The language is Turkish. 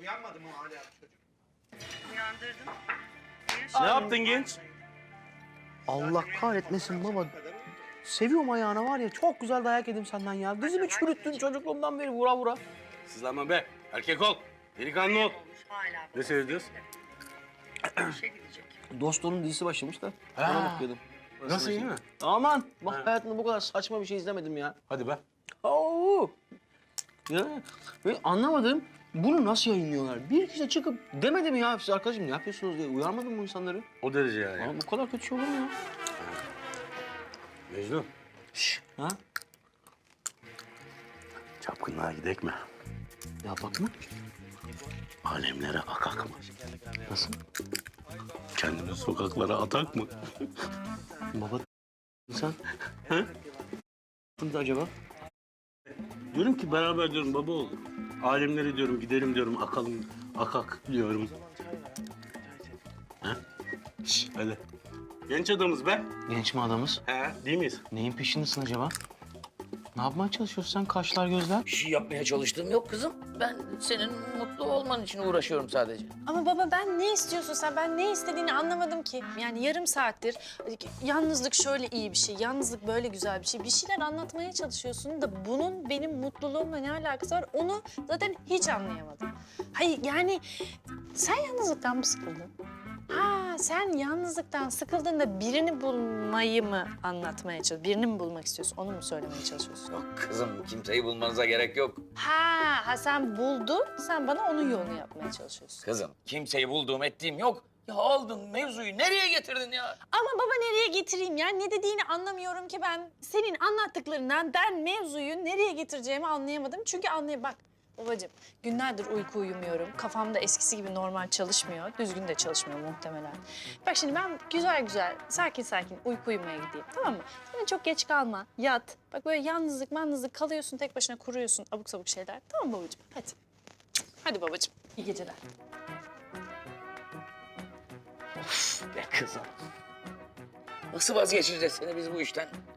Uyanmadı mı hala çocuk? Uyandırdım. Ne yaptın genç? Allah kahretmesin baba. Seviyorum ayağına var ya, çok güzel dayak yedim senden ya. Dizimi çürüttün çocukluğumdan beri vura vura. Sızlanma be. Erkek ol. Delikanlı ol. Hala. Ne seyrediyoruz? İşe gidecek. Dostluğunun dizisi başlamış da Ha. ona bakıyordum. Nasıl, iyi mi? Aman bak, hayatımda bu kadar saçma bir şey izlemedim ya. Hadi be. Oo. Ya ve anlamadım, bunu nasıl yayınlıyorlar? Bir kişi çıkıp demedi mi ya siz arkadaşım ne yapıyorsunuz diye, uyarmadın mı bu insanları? O derece yani. Ya bu kadar kötü şey olur mu ya? Mecnun. Ha? Çapkınlığa gidek mi? Ya bakma. Alemlere akak mı? Nasıl? Kendimizi sokaklara atak mı? Baba sen? Ha? Kimdi acaba? Diyorum ki beraber diyorum baba olur. Alemlere diyorum gidelim diyorum akalım akak diyorum. Ha? Şş, hadi. Genç adamız be. Genç mi adamız? He. Değil miyiz? Neyin peşindesin acaba? Ne yapmaya çalışıyorsun sen, kaşlar gözler? Bir şey yapmaya çalıştığım yok kızım. Ben senin mutlu olman için uğraşıyorum sadece. Ama baba ben ne istiyorsun sen? Ben ne istediğini anlamadım ki. Yani yarım saattir yalnızlık şöyle iyi bir şey, yalnızlık böyle güzel bir şey. Bir şeyler anlatmaya çalışıyorsun da bunun benim mutluluğumla ne alakası var? Onu zaten hiç anlayamadım. Hayır yani sen yalnızlıktan mı sıkıldın? Ha sen yalnızlıktan sıkıldığında birini bulmayı mı anlatmaya çalışıyorsun? Birini mi bulmak istiyorsun? Onu mu söylemeye çalışıyorsun? Yok kızım, kimseyi bulmanıza gerek yok. Ha sen buldun, sen bana onun yolunu yapmaya çalışıyorsun. Kızım, kimseyi bulduğum ettiğim yok. Ya aldın mevzuyu nereye getirdin ya? Ama baba nereye getireyim ya? Ne dediğini anlamıyorum ki ben. Senin anlattıklarından ben mevzuyu nereye getireceğimi anlayamadım. Çünkü bak babacığım günlerdir uyku uyumuyorum. Kafamda eskisi gibi normal çalışmıyor. Düzgün de çalışmıyor muhtemelen. Bak şimdi ben güzel güzel, sakin sakin uyku uyumaya gideyim, tamam mı? Sen çok geç kalma, yat. Bak böyle yalnızlık kalıyorsun, tek başına kuruyorsun abuk sabuk şeyler. Tamam mı babacığım? Hadi. Hadi babacığım. İyi geceler. Be kızım. Nasıl vazgeçireceğiz seni biz bu işten?